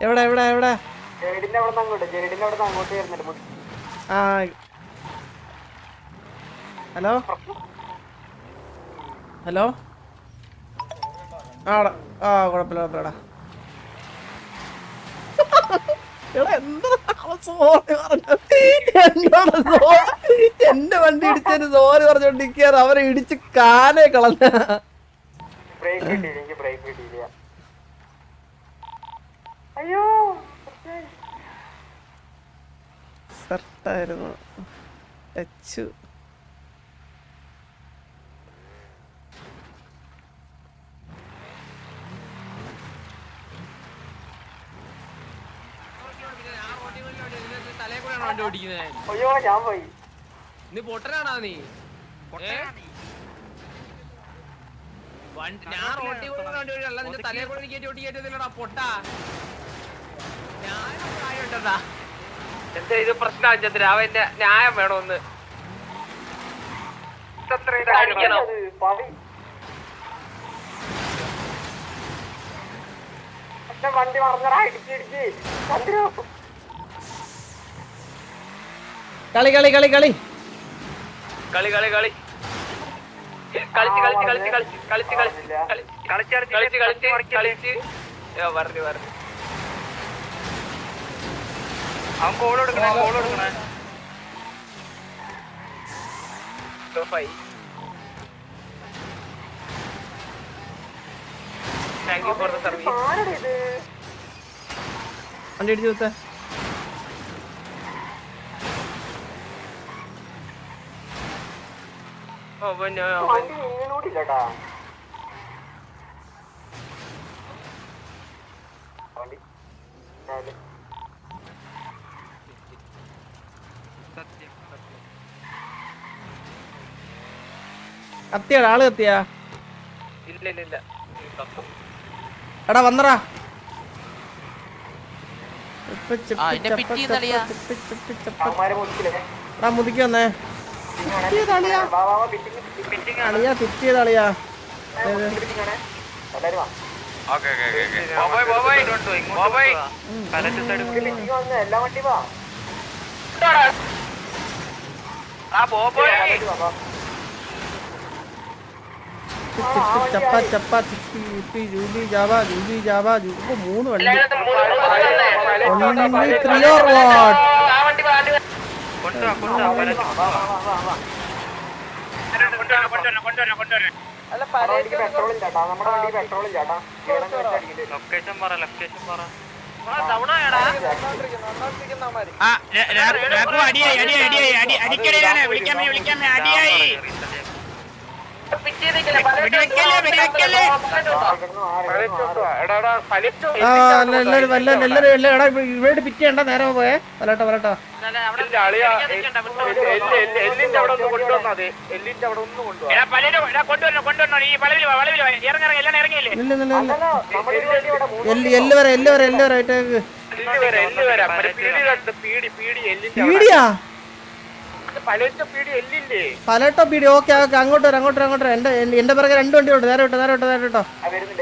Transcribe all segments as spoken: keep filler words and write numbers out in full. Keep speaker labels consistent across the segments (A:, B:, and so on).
A: എവിടെ എവിടെ എവിടെ ആ ഹലോ ഹലോ ആടാ ആ കുഴപ്പമില്ല കുഴപ്പമില്ലടാ എന്റെ വണ്ടി ഇടിച്ചതിന് സോറി പറഞ്ഞോണ്ടിരിക്കാറ് അവരെ ഇടിച്ച് കാലേ കളഞ്ഞ
B: അയ്യോ
A: സർട്ടായിരുന്നു ടച്ചു
B: അയ്യോ ഞാൻ പോയി
C: നീ പൊട്ടനാണോ നീ ഞാൻ റോട്ടി വണ്ടി വഴി അല്ല നിന്റെ തലയെ കൂടെ എനിക്ക് ഓട്ടി കയറ്റത്തില്ലടാ പൊട്ടാ ഞാൻ ആയോട്ടാ എന്താ ഇത് പ്രശ്നം ചന്ദ്ര അവന്റെ ന്യായം വേണോന്ന്
B: വണ്ടി മറന്നടാ ഇടിച്ചിടിച്ച് ചന്ദ്ര
A: കളി കളി കളി കളി
C: കളി കളി കളി കളിച്ച് കളിച്ച് കളിച്ച് കളിച്ച് കളിച്ച് കളിച്ച് കളിച്ച് കളിച്ച് കളിച്ച് കളിച്ച് പറഞ്ഞു പറഞ്ഞു അവൻ കോൾ കൊടുക്കണേ കോൾ കൊടുക്കണേ thank you for the service
A: വണ്ടി ഇടിച്ചു കൊടുത്തേ
B: വണ്ടി നീങ്ങൂടില്ലട്ടാ വണ്ടി
A: കത്തിയാടാ ആള് കത്തിയാ
C: ഇല്ല ഇല്ല ഇല്ല
A: എടാ വന്നറാ എടാ മുതിക്ക് വന്നേ അളിയാ ഫിറ്റ് ചെയ്ത അളിയാ
B: എല്ലാ വണ്ടി വാ
A: ചപ്പ ചപ്പ ചിപ്പി ചിപ്പി ജൂലി ജാവ ജൂലി ജാവ ഇപ്പൊ മൂന്ന് വണ്ടി ത്രീ ഓർ വാട്ട്
B: പെട്രോൾ ഇല്ലാട്ടാ നമ്മുടെ വണ്ടി പെട്രോൾ ഇല്ലാട്ടാ
C: ലൊക്കേഷൻ പറ ലൊക്കേഷൻ പറ
A: ഇവിടെ പിറ്റ് ചെയ്യണ്ട നേരെ പോയേ വലട്ടോ വലട്ടോ എല്ല് വരെ എല്ല് വരെ എല്ല് വരെ പീടിയാ പലട്ടോ പീടി ഓക്കെ ഓക്കെ അങ്ങോട്ട് വരാം അങ്ങോട്ട് വരാം അങ്ങോട്ട് വരാം എന്റെ എന്റെ പിറകെ രണ്ട് വണ്ടി ഉണ്ട് നേരെ വിട്ടോ നേരെ വിട്ടോ നേരെ വിട്ടോ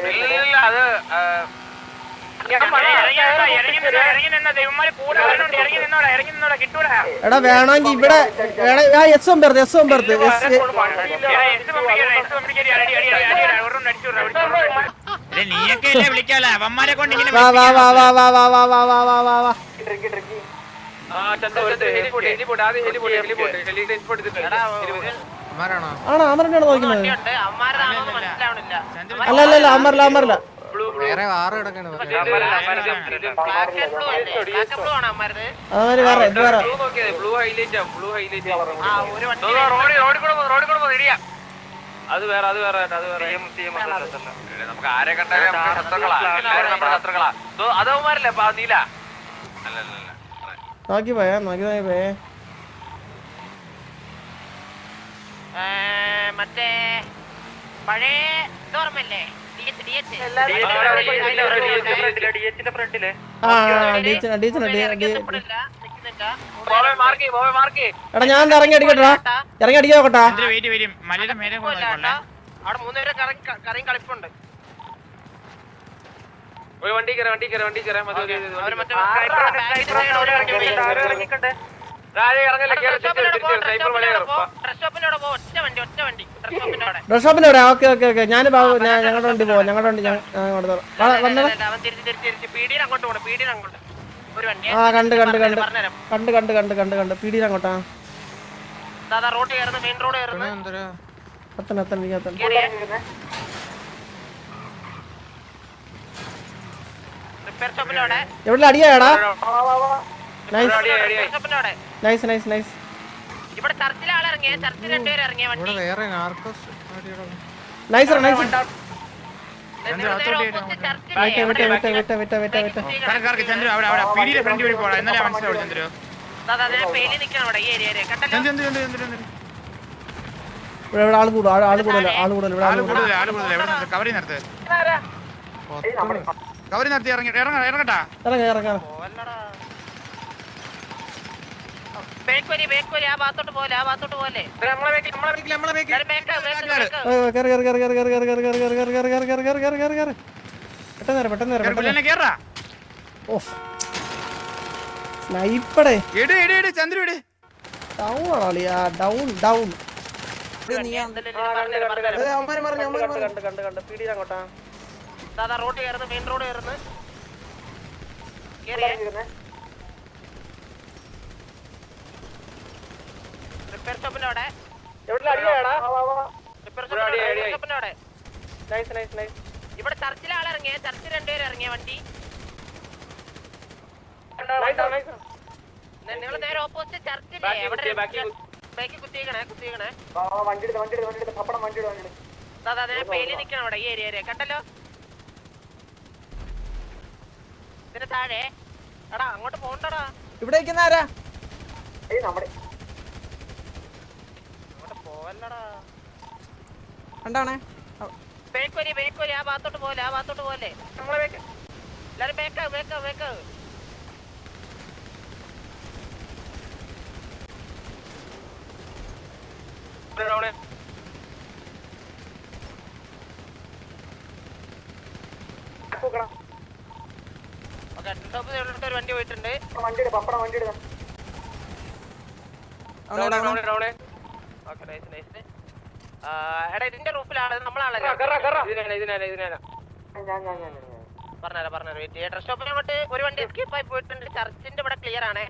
A: എടാ വേണമെങ്കിൽ ഇവിടെ എസ് ഒമ്പത് എസ് ഒമ്പത് വാ വാ വാ വാ വാ വാ വാ വാ വാ വാ വാ വാ ആണോ അമറിനാണ് നോക്കുന്നത് അല്ല അല്ല അല്ല അമറില്ല അമറില്ല അവര് വേറെ ഇത് വേറെ
C: അത് വേറെ അത് വേറെ അത് വേറെ നമുക്ക് ആരെ കണ്ടാലും ശത്രുക്കളാ അതവന്മാരല്ലേ നീല അല്ലല്ല
A: നോക്കി പോയാ നോക്കി നോക്കി പോയേ
D: മറ്റേ പഴയ ഓർമ്മല്ലേ
A: എടാ ഞാൻ ഇറങ്ങി അടിക്കട്ടാ ഇറങ്ങി അടിക്കാൻ നോക്കട്ടാ
D: അവിടെ മൂന്നുപേരെ കറിയും കളിപ്പുണ്ട്
C: ഒരു വണ്ടി കയറാം വണ്ടി കയറാം വണ്ടി കയറാം മതി
D: അവര് മറ്റേ ബാങ്കിന്റെ സൈഡ് അവിടെ ഇറങ്ങിയിട്ടുണ്ട്.
C: താഴെ ഇറങ്ങല്ലേ
D: ഡ്രസ് ഷോപ്പിന്റെ അവിടെ പോ. ഒറ്റ വണ്ടി ഒറ്റ വണ്ടി ഡ്രസ് ഷോപ്പിന്റെ അവിടെ.
A: ഡ്രസ് ഷോപ്പിന്റെ അവിടെ ഓക്കെ ഓക്കെ ഓക്കെ ഞാൻ ഞങ്ങളുടെ വണ്ടി പോവാം ഞങ്ങളുടെ വണ്ടി വന്നത്
D: അവൻ തിരിച്ച് തിരിച്ച് തിരിച്ച് പീടിയിൽ അങ്ങോട്ട് പോകണം. പീടിയിൽ അങ്ങോട്ട് ഒരു വണ്ടി.
A: ആ കണ്ട് കണ്ട് കണ്ട്
D: പറഞ്ഞുതരാം.
A: കണ്ട് കണ്ട് കണ്ട് കണ്ട് കണ്ട് പീടിയിൽ അങ്ങോട്ടാ
D: ദാദാ റോഡ് കയറുന്നു. മെയിൻ റോഡ് കയറുന്നു.
A: എത്തണം എത്തണം എനിക്ക് എത്തണം
D: റിപ്പയർ ഷോപ്പിന്റെ അവിടെ.
A: എവിടെ അടിയാടാ നൈസ്
D: റിപ്പയർ ഷോപ്പിന്റെ അവിടെ.
A: നൈസ് നൈസ് നൈസ്
D: ഇവിടെ ചർച്ചിലെ ആളിറങ്ങിയ ചർച്ചിൽ രണ്ടുപേരും ഇറങ്ങിയ വണ്ടി.
A: നൈസ് നൈസ്
D: നേരെ ഓപ്പോസിറ്റ് ചർച്ചിലെ
A: വിട്ട വിട്ട വിട്ട വിട്ട വിട്ട വിട്ട വിട്ട
E: ചന്ദ്രു അവിടെ അവിടെ പീടിയുടെ ഫ്രണ്ട് വഴി പോടാ. ഇന്നലെ മനസ്സിലാവും ചന്ദ്രു.
D: ദാദാ അതിനെ പേലി നിൽക്കണം അവിടെ ഈ ഏരിയയില്. കണ്ടല്ലോ
E: ചന്ദ്രു ചന്ദ്രു ചന്ദ്രു ചന്ദ്രു ചന്ദ്രു.
A: ഇവിടെ ഇവിടെ ആള് കൂടും ആള് ആള് കൂടുതൽ ആള് കൂടുതൽ ഇവിടെ
E: ആള്
A: ആള് കൂടുതൽ
E: കൂടുതൽ ആള് കൂടുതൽ. എവിടെ നിർത്ത്? കവറി നിർത്ത്. കവറി നിർത്തി ഇറങ്ങി ഇറങ്ങ ഇറങ്ങട്ടാ.
A: ഇറങ്ങ ഇറങ്ങ
D: ബേക്ക്വരി ബേക്ക്വരി ആ ഭാഗത്തോട്ട് പോലെ ആ ഭാഗത്തോട്ട് പോലെ.
E: നമ്മളെ ബേക്കിൽ നമ്മളെ ബേക്കിൽ നമ്മളെ ബേക്കിൽ.
A: കേറി കേറി കേറി കേറി കേറി കേറി കേറി കേറി കേറി കേറി കേറി കേറി കേറി കേറി കേറി കേറി പെട്ടെന്ന് കേറ് പെട്ടെന്ന് കേറ് പെട്ടെന്ന്
E: കേറ കേറ.
A: ഓഫ് സ്നൈപ്പറേ
E: എട് എട് എട് ചന്ദ്രു എട്.
A: ഡൗൺ ആളിയാ ഡൗൺ ഡൗൺ
D: ദാദാ റോഡ് കയറുന്നു. മെയിൻ റോഡ് കയറുന്നു. കേറിയേ റിപ്പയർ ഷോപ്പിന്റെ അവിടെ. റിപ്പയർ ഷോപ്പിന്റെ അവിടെ. ഇവിടെ ചർച്ചിലെ ആളിറങ്ങിയ ചർച്ചിൽ രണ്ടുപേരും ഇറങ്ങിയ വണ്ടി. നിങ്ങൾ നേരെ ഓപ്പോസിറ്റ് ചർച്ചില്ലേ അവിടെ ബാക്കി കുത്തിക്കണേ കുത്തിക്കണേ. ദാദാ അതിനെ പേലി നിൽക്കണം അവിടെ ഈ ഏരിയ. കണ്ടല്ലോ ഇതിന് താഴെ. എടാ അങ്ങോട്ട് പോണ്ടടാ.
A: ഇവിടെ ആരാ
D: അങ്ങോട്ട് പോവല്ലടാ.
A: കണ്ടാണേ
D: ബേക്ക്വരി ബേക്ക്വരി ആ ഭാഗത്തോട്ട് പോലെ ആ ഭാഗത്തോട്ട് പോലെ. നമ്മളെ ബേക്ക് എല്ലാരും ബേക്ക് ബേക്ക് ബേക്ക്. ഒരു വണ്ടി പോയിട്ടുണ്ട്. എടാ ഇതിന്റെ റൂഫിലാണ് നമ്മളാണല്ലോ. പറഞ്ഞുതരാം പറഞ്ഞുതരാം വെയിറ്റ് ചെയ്യാം. ഡ്രസ് ഷോപ്പിനെ അങ്ങോട്ട് ഒരു വണ്ടി എസ്കേപ്പ് ആയി പോയിട്ടുണ്ട്. ചർച്ചിന്റെ ഇവിടെ ക്ലിയർ ആണ്.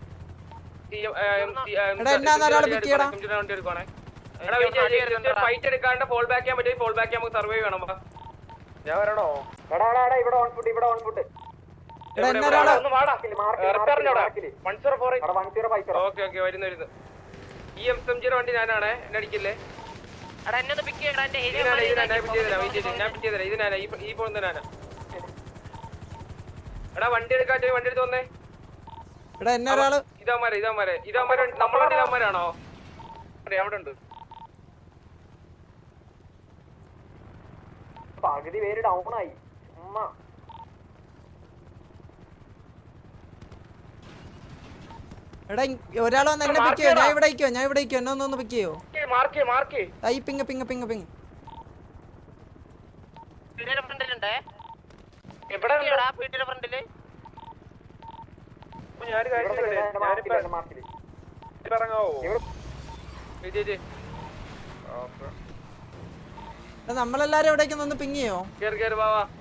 C: ഫൈറ്റ് എടുക്കാണ്ട് ഫോൾ ബാക്ക് ചെയ്യാൻ പറ്റും. ഫോൾ ബാക്ക് നമുക്ക് സർവൈവ് വേണം.
B: ഞാൻ വരണോ? എടാ എടാ എടാ ഇവിടെ ഓൺ ഫുട്ട് ഇവിടെ ഓൺ ഫുട്ട്.
C: ഓക്കെ ഓക്കെ വരുന്നു വരുന്നു. ഈ എം എം ജിയുടെ വണ്ടി ഞാനാണ്. എന്നെ അടിക്കില്ലേ?
D: എടാ എന്നെ ഒന്ന് പിക്ക് ചെയ്യടാ. എന്റെ ഏരിയ
C: ഞാൻ പിറ്റ് ചെയ്തരാം. ഇത് ഞാനാ ഈ പോകുന്ന ഞാനാ. എടാ വണ്ടി എടുക്കാറ്റ് വണ്ടി എടുത്ത് വന്നേ. ഇതാമാരെ ഇതാമാരെ ഇതാമാരെ നമ്മളെ വണ്ടി ഇതാമാരാണോ? അവിടെ ഉണ്ട്.
B: പകുതി പേര് ഡൗൺ ആയി. ഉമ്മ
F: എടാ ഒരാൾ വന്ന് എന്നെ പിക്ക് ചെയ്യോ? ഞാൻ ഇവിടെ ഇരിക്കോ ഞാൻ ഇവിടെ ഇരിക്കോ എന്നെ ഒന്ന് പിക്ക് ചെയ്യോ?
C: മാർക്ക് മാർക്ക്
F: ഈ പിങ് പിങ് പിങ് പിങ്
D: പീടിയുടെ ഫ്രണ്ടിലുണ്ടേ.
C: എവിടെ
D: പീടിയുടെ ഫ്രണ്ടില്
F: നമ്മളെല്ലാരും എവിടേക്ക് ഒന്ന് പിങ് ചെയ്യോ?
C: കേറി കേറി വാ വാ.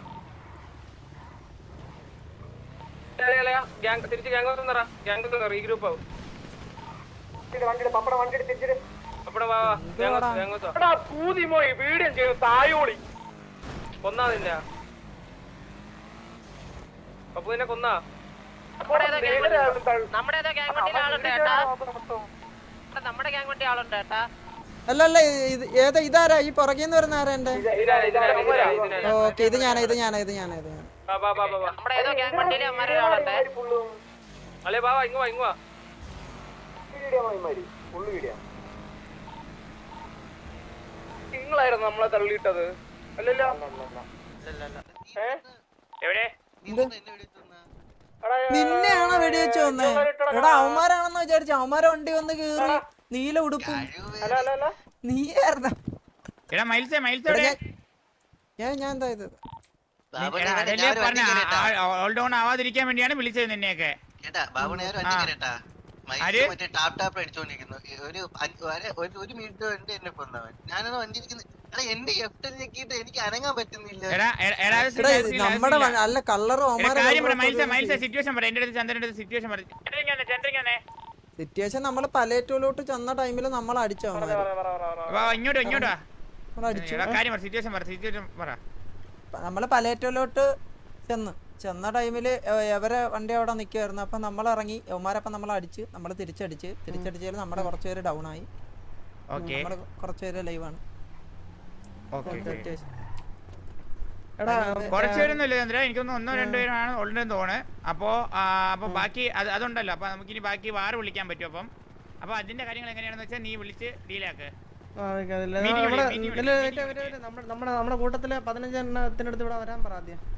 C: തിരിച്ച് ഗ്യാങ് വന്നറാ. ഗ്യാങ് വന്നറാ. ഈ ഗ്രൂപ്പ് ആവും. അപ്പടെ വാ വാ. എടാ പൂതി മോയി വീഡിയോ ചെയ്തു തായോളി. കൊന്നാതില്ല. അപ്പൊ നിന്നെ കൊന്നാ?
D: നമ്മുടെ ഏതോ ഗ്യാങ് വണ്ടിയിൽ ആളുണ്ട് കേട്ടാ. നമ്മുടെ ഗ്യാങ് വണ്ടി ആളുണ്ട് കേട്ടാ.
F: അല്ല അല്ല ഏതാ ഇതാരാ ഈ പുറകേന്ന് വരുന്ന ആരാ? എന്റെ ഓക്കെ ഇത് ഞാനാ ഇത് ഞാനാ ഇത് ഞാനാ ഇത് ഞാൻ
D: നമ്മുടെ ഏതോ ഗ്യാങ് വണ്ടിയിൽ അമ്മമാരെ ആളുണ്ട്.
C: അല്ലേ വാ വാ ഇങ്ങ് വാ ഇങ്ങ് വാ. നിങ്ങളായിരുന്നു നമ്മളെ തള്ളിയിട്ടത് അല്ലല്ലോ? എവിടെ
F: നിന്നെയാണോ വെടിവെച്ച് വന്നേ? എടാ അവന്മാരാണെന്ന് വിചാരിച്ചു. അവന്മാരെ വണ്ടി വന്ന് കേറി നീല ഉടുപ്പും നീയായിരുന്ന.
E: ഞാൻ ഞാൻ എന്താ ഇത് അതല്ലേ പറഞ്ഞ ഓൾ ഡൗൺ ആവാതിരിക്കാൻ വേണ്ടിയാണ് വിളിച്ചത് നിന്നെയൊക്കെ.
G: കേട്ടാ ബാബു ഞാൻ ഒരു വണ്ടി കേട്ടാ മറ്റേ ടാപ്പ് ടാപ്പ് അടിച്ചോണ്ടിരിക്കുന്നു. ഒരു ഒരു മിനിറ്റ് വേണ്ടി എന്നെ കൊന്നവൻ. ഞാനത് വണ്ടി ഇരിക്കുന്നത് എന്റെ എഫ്റ്റൽ ഞെക്കിയിട്ട് എനിക്ക് അനങ്ങാൻ പറ്റുന്നില്ല.
F: നമ്മുടെ അല്ല കളറ്
E: സിറ്റുവേഷൻ പറ എന്റെ അടുത്ത് ചന്ദ്രന്റെ സിറ്റുവേഷൻ പറ.
F: സിറ്റുവേഷൻ നമ്മള് പലേറ്റോലോട്ട് ചെന്ന ടൈമില് നമ്മൾ അടിച്ചോ
E: ഇങ്ങോട്ടോ ഇങ്ങോട്ടാ കാര്യം പറ. സിറ്റുവേഷൻ പറ സിറ്റുവേഷൻ പറ.
F: നമ്മള് പലേറ്റോലോട്ട് ചെന്ന് ചെന്ന ടൈമില് എവരെ വണ്ടി അവിടെ നിൽക്കുമായിരുന്നു. അപ്പം നമ്മൾ ഇറങ്ങി യവന്മാരപ്പം നമ്മൾ അടിച്ച് നമ്മൾ തിരിച്ചടിച്ച് തിരിച്ചടിച്ചാൽ നമ്മുടെ കുറച്ച് പേര് ഡൗൺ ആയി. നമ്മള് കുറച്ച് പേര് ലൈവാണ്.
E: കുറച്ചുപേരൊന്നുമില്ല ചന്ദ്ര, എനിക്കൊന്ന് ഒന്നോ രണ്ടോ പേരാണ് ഉള്ളതെന്ന് തോന്നുന്നത്. അപ്പോ അപ്പൊ ബാക്കി അത് അതുണ്ടല്ലോ. അപ്പൊ നമുക്കിനി ബാക്കി വാറ് വിളിക്കാൻ പറ്റും. അപ്പം അപ്പൊ അതിന്റെ കാര്യങ്ങൾ എങ്ങനെയാണെന്ന് വെച്ചാൽ നീ വിളിച്ച് ഡീലാക്ക്.
A: നമ്മുടെ നമ്മുടെ കൂട്ടത്തില് പതിനഞ്ചെണ്ണത്തിനടുത്ത് ഇവിടെ വരാൻ പറ ആദ്യം.